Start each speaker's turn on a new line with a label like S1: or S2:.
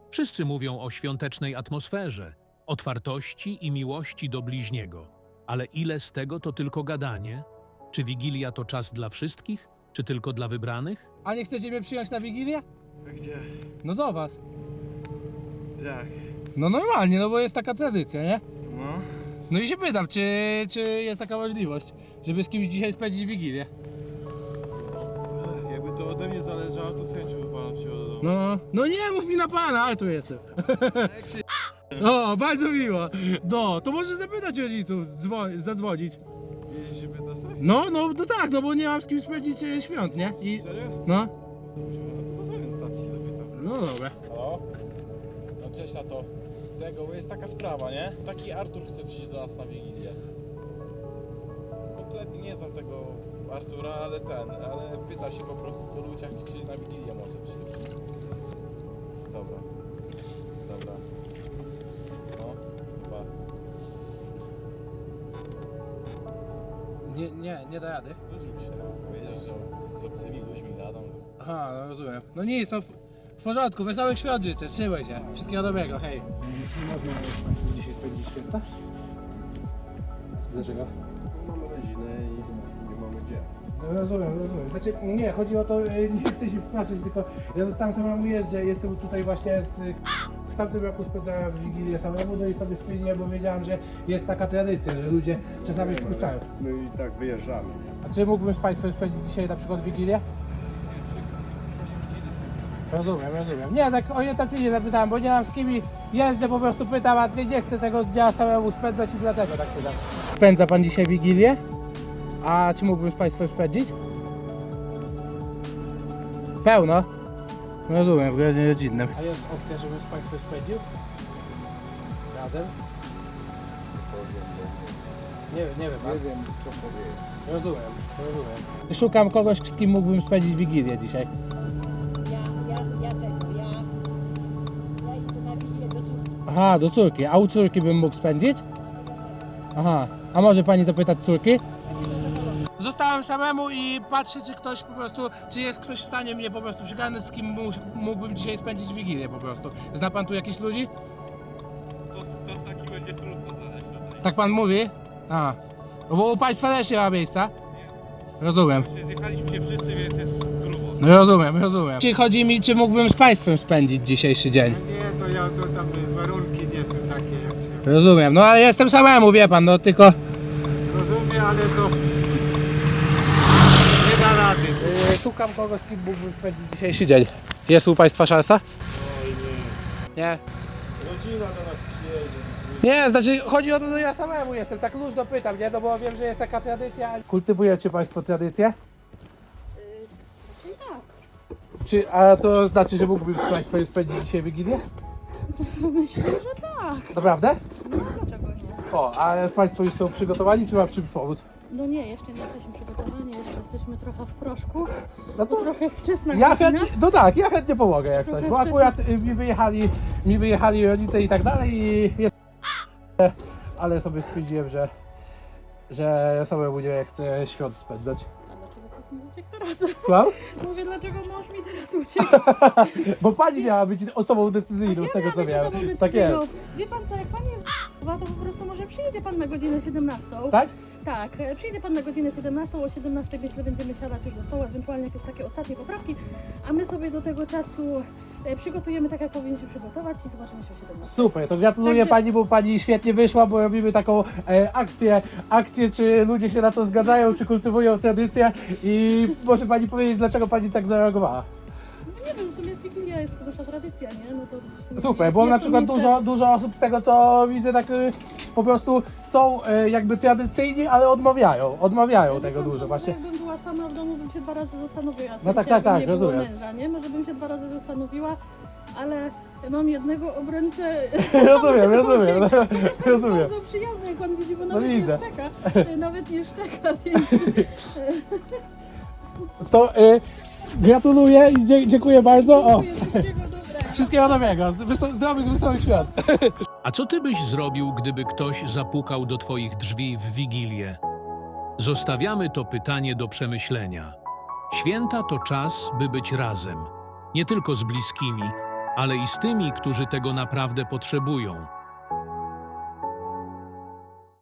S1: Wszyscy mówią o świątecznej atmosferze, otwartości i miłości do bliźniego. Ale ile z tego to tylko gadanie? Czy Wigilia to czas dla wszystkich, czy tylko dla wybranych?
S2: A nie chcecie mnie przyjąć na Wigilię?
S3: Gdzie?
S2: No do was.
S3: Jak?
S2: No normalnie, no bo jest taka tradycja, nie?
S3: No.
S2: No i się pytam, czy jest taka możliwość, żeby z kimś dzisiaj spędzić Wigilię?
S3: Jakby to ode mnie zależało, to z chęcią by pana przyjął do domu.
S2: No nie mów mi na pana, ale tu jestem. O, bardzo miło. No, to może zapytać rodziców, zadzwonić.
S3: Jeździsz się pytasz, tak?
S2: No tak, no bo nie mam z kim spędzić świąt, nie? I,
S3: Serio?
S2: no,
S3: No to zadzwonię do taty, się zapytam.
S2: no dobra.
S3: Halo? No cześć na to. Tego, bo jest taka sprawa, nie? Taki Artur chce przyjść do nas na Wigilię. Kompletnie nie znam tego Artura, ale pyta się po prostu po ludziach, czy na Wigilię może przyjść. Dobra. Dobra. No, chyba.
S2: Nie da rady.
S3: Wyrzuć się, powiedział, że z obcymi ludźmi gadą.
S2: Aha, no rozumiem. No nic, no w porządku, wesołych świąt życzę, trzymaj się. Wszystkiego dobrego, hej. Nie można dzisiaj spędzić święta? Dlaczego?
S4: Mamy rodzinę i nie mamy gdzie.
S2: No rozumiem. Znaczy, nie, chodzi o to, nie chcę się wpraszać, tylko ja zostałem samemu jeżdżę, jestem tutaj właśnie w tamtym roku spędzałem Wigilię samemu, no i sobie stwierdziłem, bo wiedziałem, że jest taka tradycja, że ludzie czasami wpuszczają.
S4: My i tak wyjeżdżamy.
S2: A czy mógłbym z Państwem spędzić dzisiaj na przykład Wigilię? Rozumiem. Nie, tak orientacyjnie zapytałem, bo nie mam z kim jeżdżę, po prostu pytam, a nie chcę tego dnia samemu spędzać i dlatego tak pytam. Spędza Pan dzisiaj Wigilię? A czy mógłbym z Państwem spędzić? Pełno? Rozumiem, w gronie rodzinnym. A jest opcja, żebym z Państwem spędził? Razem? Nie wiem Pan.
S4: Nie wiem co powiedzieć.
S2: Rozumiem. Szukam kogoś, z kim mógłbym spędzić Wigilię dzisiaj.
S5: Ja idę na Wigilię do córki.
S2: Aha, do córki. A u córki bym mógł spędzić? Aha. A może Pani zapytać córki? Zostałem samemu i patrzę, czy ktoś po prostu, czy jest ktoś w stanie mnie po prostu przygarnąć, z kim mógłbym dzisiaj spędzić Wigilię po prostu. Zna Pan tu jakichś ludzi?
S3: To taki będzie trudno znaleźć.
S2: Tak Pan mówi? A. No bo u Państwa też nie ma miejsca? Rozumiem.
S3: Zjechaliśmy się wszyscy, więc jest grubo.
S2: No rozumiem. Czy chodzi mi, czy mógłbym z Państwem spędzić dzisiejszy dzień?
S6: Nie, to tam warunki nie są takie jak się
S2: Rozumiem. No ale jestem samemu, wie Pan, no tylko...
S6: rozumie, ale to nie da rady.
S2: Szukam kogoś, z kim mógłbym spędzić dzisiejszy dzień. Jest u Państwa szansa?
S3: Oj nie.
S2: Nie.
S3: Rodzina do nas przyjedzie.
S2: Nie, znaczy chodzi o to, że ja samemu jestem, tak luźno pytam, nie? No bo wiem, że jest taka tradycja. Kultywujecie Państwo tradycję? A to znaczy, że mógłbym z Państwem spędzić dzisiaj Wigilię?
S5: Myślę, że tak.
S2: Naprawdę?
S5: Dlaczego nie?
S2: O, a Państwo już są przygotowani, czy mam w czymś pomóc?
S5: No nie, jeszcze nie jesteśmy przygotowani, jeszcze jesteśmy trochę w proszku.
S2: No to
S5: Trochę wczesna
S2: ja
S5: godzina.
S2: chętnie, no tak, ja chętnie pomogę jak
S5: Trochę
S2: coś, bo
S5: wczesna.
S2: akurat mi wyjechali rodzice i tak dalej i jest... Ale sobie stwierdziłem, że ja samemu nie chcę świąt spędzać.
S5: A dlaczego tak mi uciekł teraz?
S2: Słucham?
S5: Mówię, dlaczego mąż mi teraz uciekł?
S2: Bo pani miała być osobą decyzyjną z tego co miałem. Tak jest.
S5: Wie pan co, jak pan jest to po prostu może przyjedzie pan na godzinę 17.
S2: Tak?
S5: Tak, przyjedzie pan na godzinę 17, o 17 myślę będziemy siadać już do stołu, ewentualnie jakieś takie ostatnie poprawki, a my sobie do tego czasu przygotujemy tak, jak powinien się przygotować i zobaczymy się o 17.
S2: Super, to gratuluję
S5: Także-
S2: pani, bo pani świetnie wyszła, bo robimy taką akcję, czy ludzie się na to zgadzają, czy kultywują tradycję i może pani powiedzieć, dlaczego pani tak zareagowała.
S5: Nie wiem, w sumie z Wigilia jest to nasza tradycja, nie? No to w sumie
S2: Super,
S5: jest-
S2: bo
S5: jest
S2: na
S5: to
S2: przykład
S5: miejsce-
S2: dużo osób z tego co widzę tak po prostu są jakby tradycyjni, ale odmawiają tego
S5: Wie pan co,
S2: dużo
S5: może
S2: właśnie.
S5: Jakbym była sama w domu, bym się 2 razy zastanowiła.
S2: No tak,
S5: jakby
S2: tak,
S5: nie było
S2: rozumiem.
S5: Męża, nie? Może bym się 2 razy zastanowiła, ale mam jednego obrońcę.
S2: Rozumiem.
S5: Rozumiem. Bardzo przyjazny, jak pan widzi, bo nawet nie
S2: widzę.
S5: szczeka. Nawet nie szczeka, więc
S2: To gratuluję i dziękuję bardzo. O,
S5: dziękuję, wszystkiego dobrego.
S2: wszystkiego dobrego, zdrowych, wesołych świąt.
S1: A co ty byś zrobił, gdyby ktoś zapukał do twoich drzwi w Wigilię? Zostawiamy to pytanie do przemyślenia. Święta to czas, by być razem. Nie tylko z bliskimi, ale i z tymi, którzy tego naprawdę potrzebują.